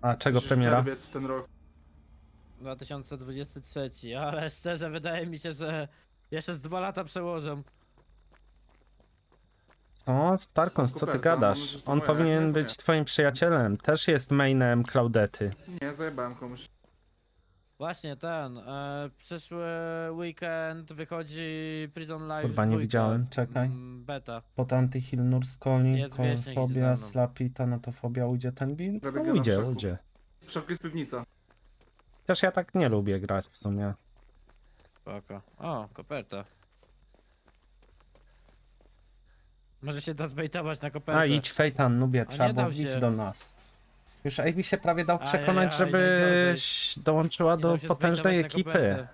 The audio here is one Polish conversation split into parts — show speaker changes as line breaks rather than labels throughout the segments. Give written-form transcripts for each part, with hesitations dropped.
A czego
Przecież
premiera?
czerwiec ten rok.
2023, ale szczerze wydaje mi się, że jeszcze z 2 lata przełożą.
Co? Starkons, co ty
Koperta, mam
gadasz?
nadzieję, że to
On
moja, jak nie,
powinien
to
być
nie.
twoim przyjacielem. Też jest mainem Claudety.
Nie, zajebałem komuś.
Właśnie ten, przyszły weekend wychodzi Prison Life
Kurwa, nie
2,
widziałem, czekaj.
Beta.
Pod Antyhill, Nurskoli,
Jest wieśniak, idzie
Kolfobia,
za mną.
Slapi, Tanatofobia, ujdzie ten build?
Robię
No
gena w
ujdzie,
szoku.
ujdzie.
W szoku jest piwnica.
Też ja tak nie lubię grać w sumie.
Spoko. O, koperta. Może się da zbejtować na kopertę.
A idź Fejtan, nubie,
A
trzeba
nie
było
dał
idź
się.
do nas. Już Amy się prawie dał przekonać,
Ajajaj,
żebyś dołączyła
Nie
do
dał się
potężnej
zbejtować na
ekipy.
kopertę.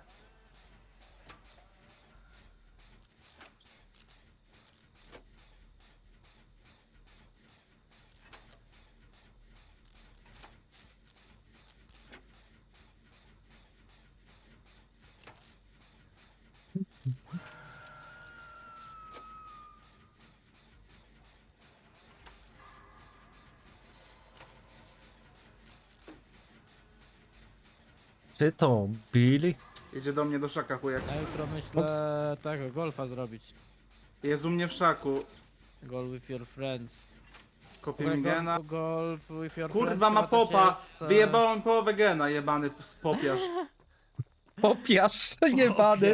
Czy to Billy?
Jedzie do mnie do szaka chujek.
Na jutro myślę
Ups.
tego, golfa zrobić.
Jest u mnie w szaku.
Golf with your friends.
Kopie mi gena.
Golf with your friends.
Kurwa ma
chyba też
popa!
jest,
Wyjebałem połowę gena, jebany popiarz.
Popiarz, jebany.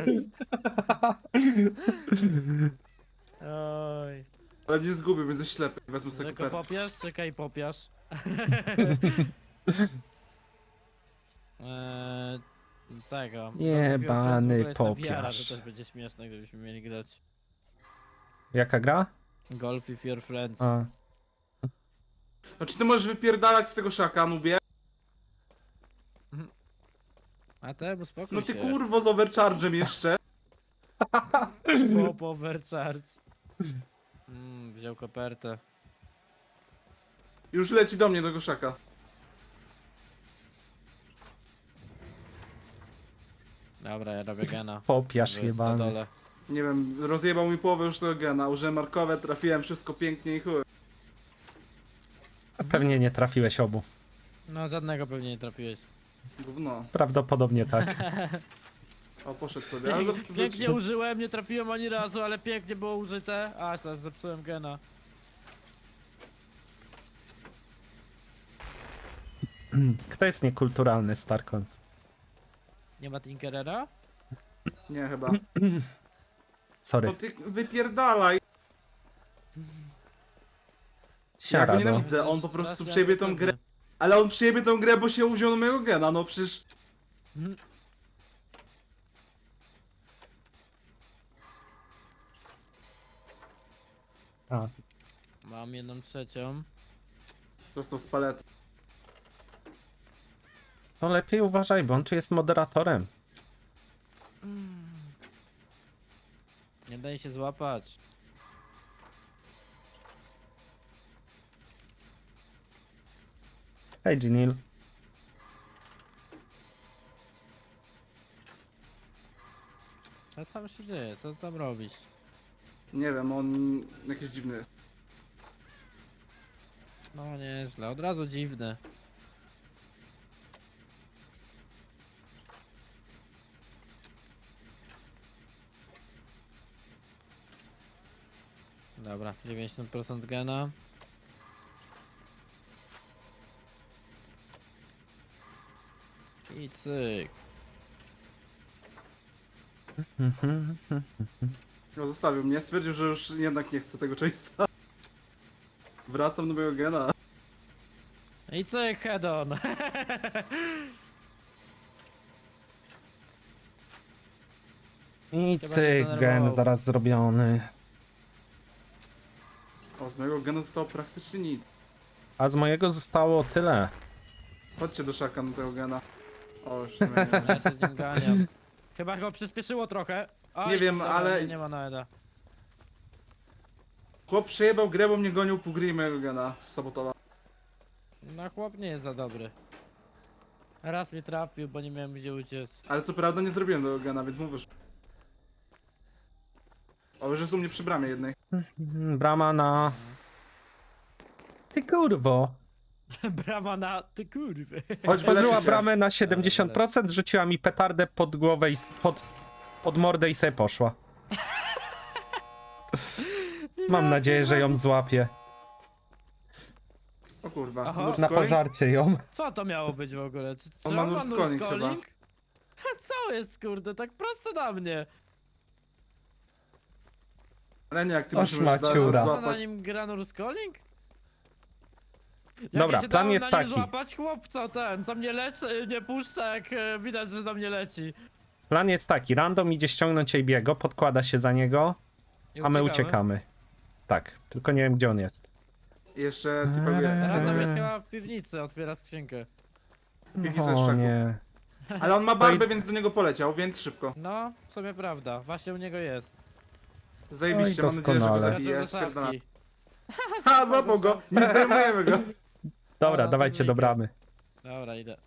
Oj.
Ale mnie zgubił, więc jest ślepy. Wezmę sobie
Tylko
kopertę.
popiasz? Czekaj, popiasz. Tego.
Jebany
Golf with your friends w ogóle jest na VR,
popiarz.
to też będzie śmieszne, gdybyśmy mieli grać.
Jaka gra?
Golf with your friends.
A.
No czy ty możesz wypierdalać z tego szaka, nubie?
A te, bo spokój
No ty
się.
kurwo z overcharge'em jeszcze.
Pop overcharge. Wziął kopertę.
Już leci do mnie do szaka.
Dobra, ja robię gena.
Popiarz
To jest na
jebany.
dole.
Nie wiem, rozjebał mi połowę już tego gena. Użyłem markowe, trafiłem wszystko pięknie i chuj.
A pewnie nie trafiłeś obu.
No, żadnego pewnie nie trafiłeś.
Gówno.
Prawdopodobnie tak.
O, poszedł sobie. Ale zaraz
Pięknie użyłem, nie trafiłem ani razu, ale pięknie było użyte. A, zaraz zepsułem gena.
Kto jest niekulturalny, Starkons?
Nie ma Tinkerera?
Nie, chyba.
Sorry.
No ty wypierdalaj. Ja go
Siara, no.
nienawidzę, on po prostu
Strasznie
przejebie tą grę.
agresywny.
Ale on przejebie tą grę, bo się uwziął na mojego gena, no przecież...
Mhm.
A,
Mam 1/3.
Prosto z palety.
to lepiej uważaj, bo on tu jest moderatorem.
Nie daj się złapać.
Hej, Ginil.
Co tam się dzieje? Co tam robisz?
Nie wiem, on jakiś dziwny jest.
No nieźle, od razu dziwne. Dobra, 90% gena. I cyk.
No zostawił mnie, stwierdził, że już jednak nie chce tego chase'a. Wracam do mojego gena.
I cyk, head on.
I
Chyba się
cyk, gen
zdenerwował.
zaraz zrobiony.
O, z mojego gena zostało praktycznie nic.
A z mojego zostało tyle.
Chodźcie do szaka na tego gena. O, już zmieniłem.
Ja się z nim ganiam. Chyba go przyspieszyło trochę. Oj,
Nie wiem,
dobra,
ale-
Nie ma Noeda.
Chłop przejebał grę, bo mnie gonił pół gry i mojego gena sabotował.
No chłop nie jest za dobry. Raz mnie trafił, bo nie miałem gdzie uciec.
Ale co prawda nie zrobiłem tego gena, więc mówisz. O, już jest u mnie przy bramie jednej.
Brama na... Ty kurwo.
Brama na... Ty kurwy.
Chodź
Otworzyła
wyleczyć cię.
bramę na 70%, rzuciła mi petardę pod głowę i pod mordę i sobie poszła. Mam nadzieję, że ją złapię.
O kurwa,
Aha.
nurse
Na
calling?
pożarcie ją.
Co to miało być w ogóle? Czy
On ma
on
nurse
nurse
calling chyba.
calling? Co jest kurde, tak prosto na mnie.
Ale nie, jak ty
O,
musisz
szmaciura.
Co na
złapać.
nim gra nurse calling? Jak
Dobra,
ja się
plan
dałem
jest
na nim
taki.
złapać chłopca ten, co mnie leczy, nie puszcza jak widać, że do mnie leci.
Plan jest taki, random idzie ściągnąć Ejbiego, podkłada się za niego,
I
a my uciekamy. Tak, tylko nie wiem gdzie on jest.
Jeszcze typowie.
Random jest chyba w piwnicy, otwiera skrzynkę.
Piwnica z
O
szaku.
nie.
Ale on ma barbę, więc do niego poleciał, więc szybko.
No, w sumie prawda, właśnie u niego jest.
Zajebiście,
Oj,
mam nadzieję, że go
doskonale.
zabije.
Skoczył do
Spierdala.
szafki.
Ha, złapał go! Nie zdejmujemy go!
Dobra,
to
dawajcie do
zwykle.
bramy.
Dobra, idę.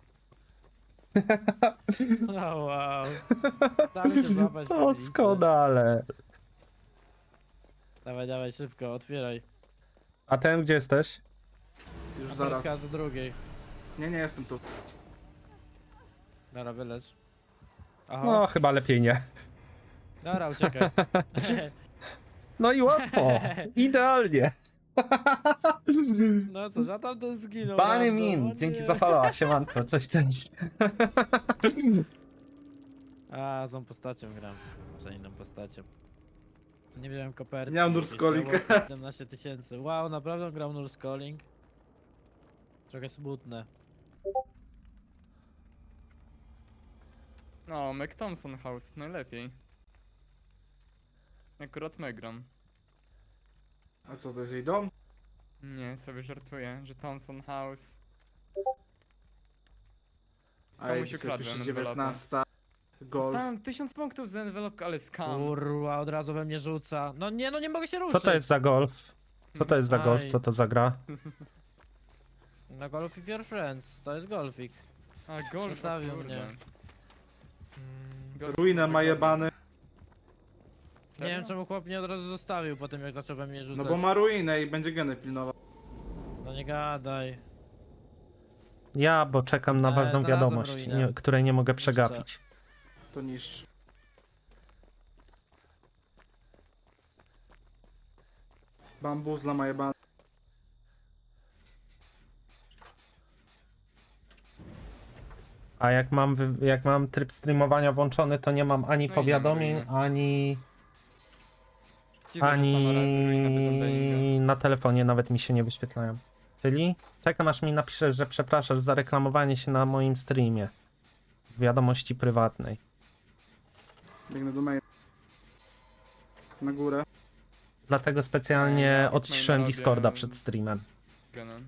No wow. Damy się złapać. w piwnicy.
Doskonale.
Dawaj, dawaj, szybko, otwieraj.
A ten gdzie jesteś?
Już zaraz.
Aparatka do drugiej.
Nie, nie jestem tu.
Dobra, wylecz. Aha,
No, chyba lepiej nie.
dobra, uciekaj.
No i łatwo. Idealnie.
No co, że tam ten zginął.
Bany
random, o
min,
nie.
dzięki za followa, siemanko, cześć, cześć.
A, z tą postacią gram. Czy inną postacią. Nie wziąłem koperty.
Nie mam nurse calling.
17 000. Wow, naprawdę grał nurse calling. Trochę smutne.
No, Mac Thompson House, najlepiej. Akurat Megram.
A co, to jest jej dom?
Nie, sobie żartuję, że Thompson House.
A
Komuś
jak sobie
ukradłem
pisze
envelopę.
19. Golf.
Dostałem 1000 punktów za envelopkę, ale skam.
Kurwa, od razu we mnie rzuca. No nie, no nie mogę się ruszyć.
Co to jest za golf? Co to jest za golf?
Aj.
Co to za gra?
Na Golf with Your Friends, to jest golfik.
A, golf,
Zostawił
o kurde.
mnie.
Golf
Ruinę ma
wygląda-
jebany.
Nie wiem
Serio?
czemu chłop mnie od razu zostawił po tym jak zaczął we mnie rzucać.
No bo ma ruinę i będzie geny pilnował.
No nie gadaj.
Ja, bo czekam na ważną
znalazłem
wiadomość,
ruinę.
której nie mogę przegapić.
To niszcz. Bambuzla ma jebany.
A jak mam tryb streamowania włączony, to nie mam ani
No i
powiadomień,
nie ma
ani
Dziwne, że sama ruina bez unbendinga.
na telefonie nawet mi się nie wyświetlają. Czyli czekam aż mi napiszesz, że przepraszasz za reklamowanie się na moim streamie. W wiadomości prywatnej.
Biegnę do main. Na górę.
Dlatego specjalnie
Ja
odciszyłem
robię-
Discorda przed streamem.
Genem.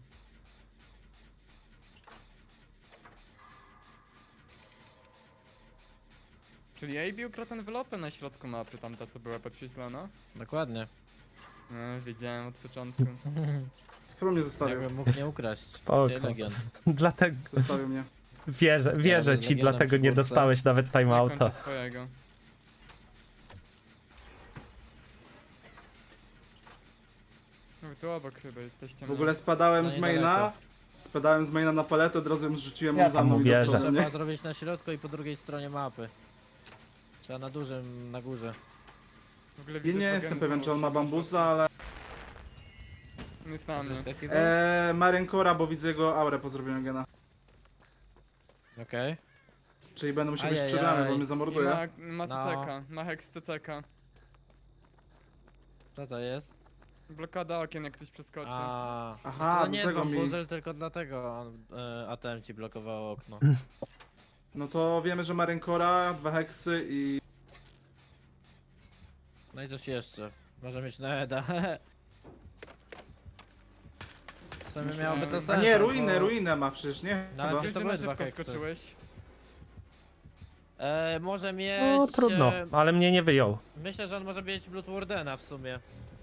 Czyli AB ukradł envelopę na środku mapy, tamta co była podświetlona?
Dokładnie.
No, wiedziałem od początku.
Chyba mnie zostawił.
Jakbym mógł nie ukraść.
Spoko.
Ty Legion.
Dlatego
Zostawił mnie.
wierzę
Ja
ci,
z Legionem
dlatego nie
przy górce.
dostałeś nawet
Ja
timeouta.
kończę swojego. No, tu obok chyba jesteście.
W ogóle spadałem
No
z
niedaleko.
maina. Spadałem z maina na paletę, od razu ją zrzuciłem,
Ja
on za
tam
mną i
uwierzę.
dostał
Trzeba
mnie.
zrobić na środku i po drugiej stronie mapy. Trzeba na dużym, na górze.
W ogóle
Ja
widzę
nie
dwa
jestem
geny
pewien,
są
czy on ma
obok siebie.
bambusa, ale...
On jest na mnie.
Wyskakiwał?
Ma rękora, bo widzę jego aurę po zrobieniu gena.
Okej.
Czyli będę musiał być
Ajajaj.
przebrany, bo mnie
I
zamorduje.
ma
No.
CCK, ma hex CCK.
Co to jest?
Blokada okien jak ktoś przeskoczy.
A,
Aha,
to
do
nie jest
tego mi...
bambuzel, tylko dlatego on, ATM ci blokowało okno.
No to wiemy, że ma rękora, 2 heksy i...
No i coś jeszcze. Może mieć na Eda. W sumie
Myślałem-
miałoby to
A
sens.
A nie,
bo-
ruinę ma przecież, nie?
No, ale
Chyba.
przecież to
Gdzie
były
na
dwa
szybko
heksy.
skoczyłeś?
Może mieć...
No trudno, ale mnie nie wyjął.
Myślę, że on może mieć Blood Wardena w sumie.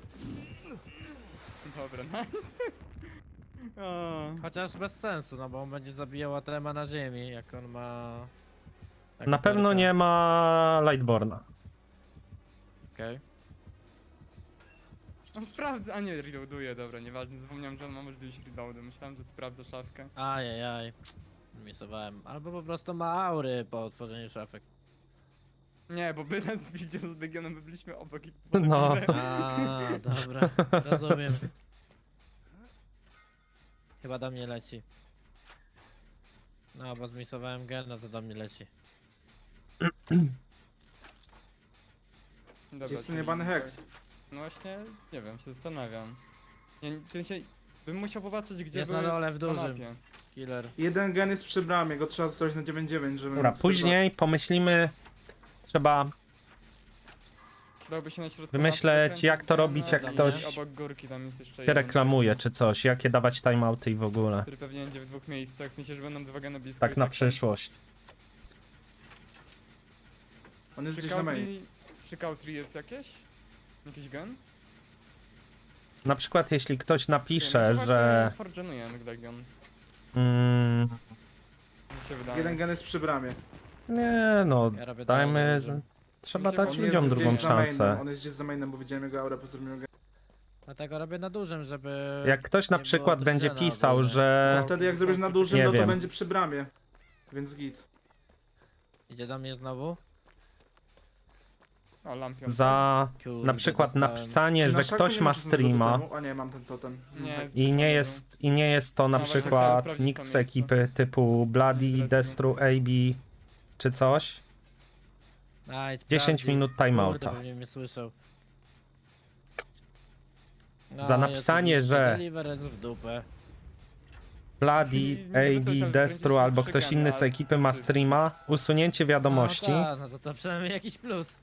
Dobra, nice. O,
Chociaż bez sensu, no bo on będzie zabijał ATM-a na ziemi, jak on ma...
Na pewno nie ma Lightborna.
Okej.
On sprawdza, a nie, reloaduje, dobra, nieważne, zapomniałem, że on ma możliwość reloadu, myślałem, że sprawdza szafkę.
Ajajaj. Misowałem. Albo po prostu ma aury po otworzeniu szafek.
Nie, bo by nas widział z Legionem, by byliśmy obok i
No.
A, dobra. Rozumiem. Chyba do mnie leci. No, bo zmisowałem gena, to do mnie leci.
Dobra,
Gdzie jest ten
czyli-
jebany heks?
No właśnie, nie wiem, się zastanawiam. Nie, w sensie, bym musiał popatrzeć, gdzie
Jest
były
na dole w
na
dużym.
mapie.
Killer.
Jeden gen jest przy bramie, go trzeba zostawić na 9-9, żeby...
Dobra,
móc
później pomyślimy, trzeba
Przydałby się na środku
Wymyśleć,
mapy
jak to
gena
robić, jak
i
ktoś
obok górki tam jest jeszcze
się
jeden,
reklamuje czy coś, jakie dawać timeouty i w ogóle.
który pewnie będzie w dwóch miejscach, w sensie, że będą dwa geny blisko.
Tak
i
na
tam-
przyszłość.
On jest
Przy
gdzieś na main.
Country, przy Country jest jakieś? Jakiś gen?
Na przykład jeśli ktoś
Nie,
napisze,
my się
że...
właśnie forgenujemy Legion,
Mm,
mi się wydaje.
Jeden gen jest przy bramie.
nie no,
Ja robię
dajmy...
dalej dużym.
Trzeba
On
dać
jest
ludziom
gdzieś
drugą
za mainem,
szansę.
on jest gdzieś za mainem, bo widziałem jego aurę po zrobieniu gena.
Dlatego robię na dużym, żeby...
Jak ktoś na
nie
przykład
było
będzie
drżenia
pisał,
ogólnie.
że...
To wtedy jak zrobisz na dużym,
Nie
no to
wiem.
będzie przy bramie. Więc git.
Idzie do mnie znowu?
O, lampion.
Za
Kurde,
na przykład
dostałem.
napisanie,
Czy na
że
szaku
ktoś
nie
ma
masz żadnego
streama
totemu? A nie, mam ten totem.
Nie,
i nie jest to na
No właśnie,
przykład
chciałem sprawdzić
nikt
to
z
miejsce.
ekipy typu Bloody,
Interesuje.
Destru, AB czy coś,
Aj,
10
sprawdził.
minut
Kurde,
timeouta.
pewnie mnie słyszał. No,
Za
i
napisanie,
oczywiście
że-
Deliverance w dupę.
Bloody,
Nie wiem, coś,
AB,
ale
Destru
53
albo ktoś inny z
ale
ekipy ma
trzy.
streama, usunięcie wiadomości,
No, no to przynajmniej jakiś plus.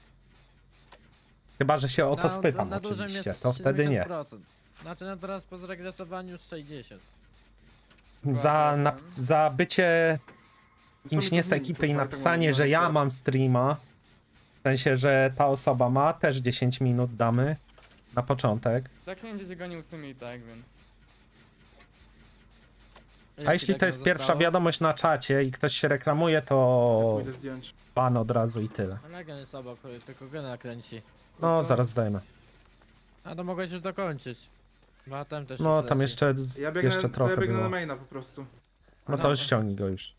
chyba że się o to
Na-
spytam
na dużym
oczywiście,
jest
to wtedy nie.
70%. Znaczy no teraz po zregresowaniu 60.
Za bycie
Co
kimś
mi
nie
to
z
zmieni?
ekipy
To
i
tak
napisanie,
mam
że ja
akurat.
mam streama, w sensie, że ta osoba ma, też 10 minut damy na początek.
Tak nie będzie gonił w sumie i tak, więc...
A jeśli to jest pierwsza wiadomość na czacie i ktoś się reklamuje, to
Pójdę zdjąć.
ban od razu i tyle.
Legion jest obok, tylko gena kręci.
No,
to-
zaraz dajmy.
A to mogłeś już dokończyć. Bo tam też
No,
już
tam
leci.
jeszcze,
Ja biegnę,
jeszcze
to
trochę
ja biegnę na
było.
maina po prostu.
No to już ściągnij go już.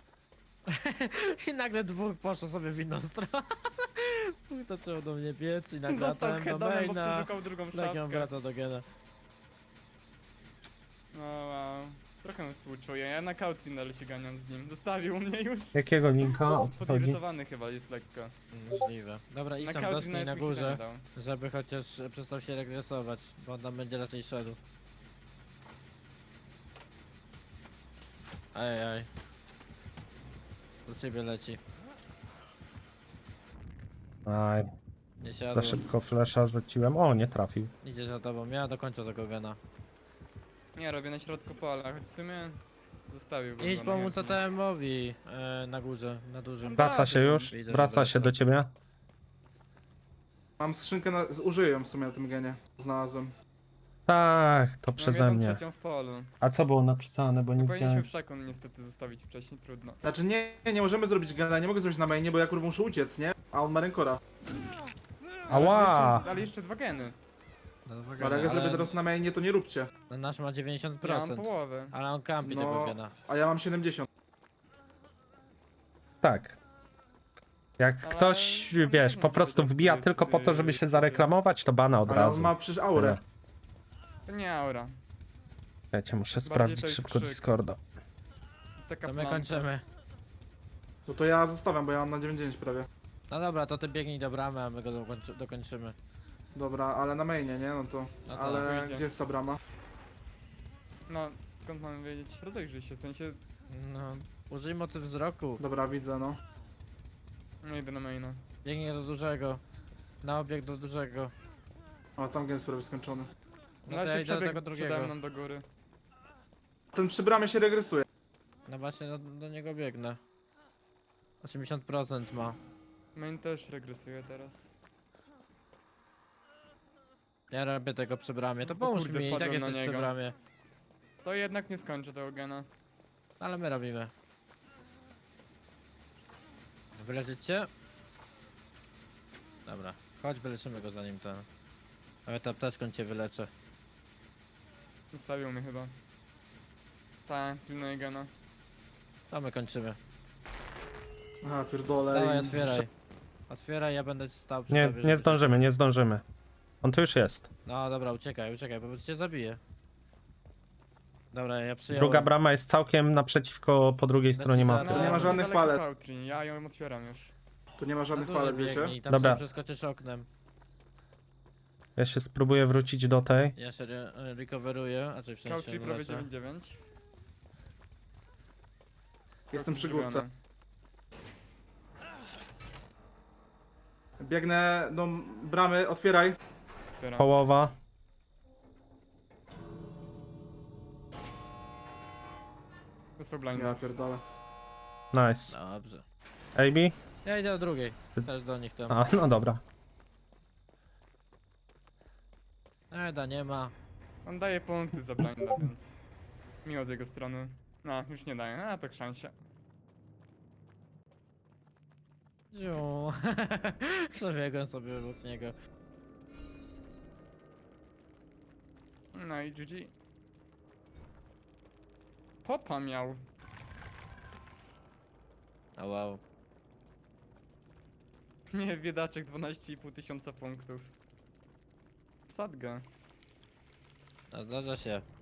I nagle dwóch poszło sobie w inną stronę. Chuj, zaczął do mnie biec i nagle
Dostał
atem do
headonem, bo
maina.
przeszukał drugą
Legion
szafkę.
wraca do gena.
No wow. Trochę mu współczuję, ja na Country się ganiam z nim. Zostawił mnie już.
Jakiego linka? O co chodzi?
Podirytowany chyba jest lekko.
Możliwe. Dobra, idź
Na
tam
Country
dotknij na
nawet mi się
górze,
nie dał.
żeby chociaż przestał się regresować, bo on tam będzie raczej szedł. Ajaj. Do ciebie leci.
Aj,
Nie
za
siadł.
szybko flesza rzuciłem. O, nie trafił.
Idzie za tobą, ja dokończę tego gena.
Nie, robię na środku pola, choć w sumie zostawił
Idź pomóc ATM-owi na górze, na dużym.
Wraca się już?
Widzę, że
Wraca się do ciebie?
Mam skrzynkę, użyję ją w sumie na tym genie. Znalazłem.
Tak, to przeze mnie.
w polu.
A co było napisane, bo nie
Powinniśmy
widziałem.
w szakon niestety zostawić wcześniej, trudno.
Znaczy nie możemy zrobić gena, nie mogę zrobić na mainie, bo ja kurwa muszę uciec, nie? A on ma rękora.
Ała!
Ale jeszcze dwa geny.
No,
Ale jak ja zrobię teraz na mainie, to nie róbcie.
No, nasz ma
Ja mam
90%,
połowę.
ale on kampi tego
No,
gena.
a ja mam 70.
Tak. Jak
Ale
ktoś,
no,
wiesz,
nie
po
wiem,
prostu
czy to
wbija
jest,
tylko po to, żeby się zareklamować, to bana od
Ale on
razu.
ma przecież aurę.
To nie aura.
Wiecie, muszę
Bardziej
sprawdzić
to jest
szybko
krzyk.
Discorda.
To jest taka
To my
plamka.
kończymy.
To ja zostawiam, bo ja mam na 99 prawie.
No dobra, to ty biegnij do bramy, a my go dokończymy.
Dobra, ale na mainie, nie? No to.
No to
Ale
wyjdzie.
gdzie jest ta brama?
No, skąd mamy wiedzieć? Rozejrzyj się, w sensie...
No, użyj mocy wzroku.
Dobra, widzę, no.
No idę na maina.
Biegnij do dużego. Na obieg do dużego.
O, tam gen jest prawie skończony.
No
No
to ja
się
idę do tego
przebiegł przede
drugiego.
mną do góry.
Ten przy bramie się regresuje.
No właśnie do niego biegnę. 80% ma.
Main też regresuje teraz.
Ja robię tego przy bramie. To
O
pomóż
kurde,
mi, i tak
wpadłem na
jesteś przy
niego.
bramie.
To jednak nie skończę tego gena.
Ale my robimy. Wyleczyć cię? Dobra, chodź wyleczymy go zanim ten. Ale ta apteczką cię wyleczę.
Zostawił mnie chyba. Tak, pilnuję gena.
To my kończymy.
Aha, pierdolę.
Dawaj,
i-
otwieraj. Otwieraj, ja będę stał przy
Nie,
tobie,
nie
żeby-
zdążymy, nie zdążymy. On tu już jest.
No dobra, uciekaj, bo cię zabije. Dobra, ja przyjąłem.
Druga brama jest całkiem naprzeciwko po drugiej
Znaczy,
stronie
za-
mapy.
nie ma żadnych
niedaleko
palet.
Pautri, ja ją otwieram już.
Tu nie ma
Na
żadnych
duży
palet, wiecie?
biegnij, tam
Dobra.
sobie przeskoczysz oknem.
Ja się spróbuję wrócić do tej.
Ja się recoveruję, a czy w sensie
Pautri prawie
leczę.
9-9.
Jestem przy
Zrobione.
górce. Biegnę do bramy, otwieraj.
Otwieram.
Połowa.
Dostał
Ja
blinda.
pierdolę.
Nice.
Dobrze.
AB?
Ja idę do drugiej. Też do nich tam.
A, no dobra.
Eda nie ma.
On daje punkty za blinda, więc... Miło z jego strony. No, już nie daje, a to szansie.
Ziu. Przebiegłem sobie obok niego.
No i GG. Popa miał.
A wow.
Nie, biedaczek 12,5 tysiąca punktów. Sadga.
No, zdarza się.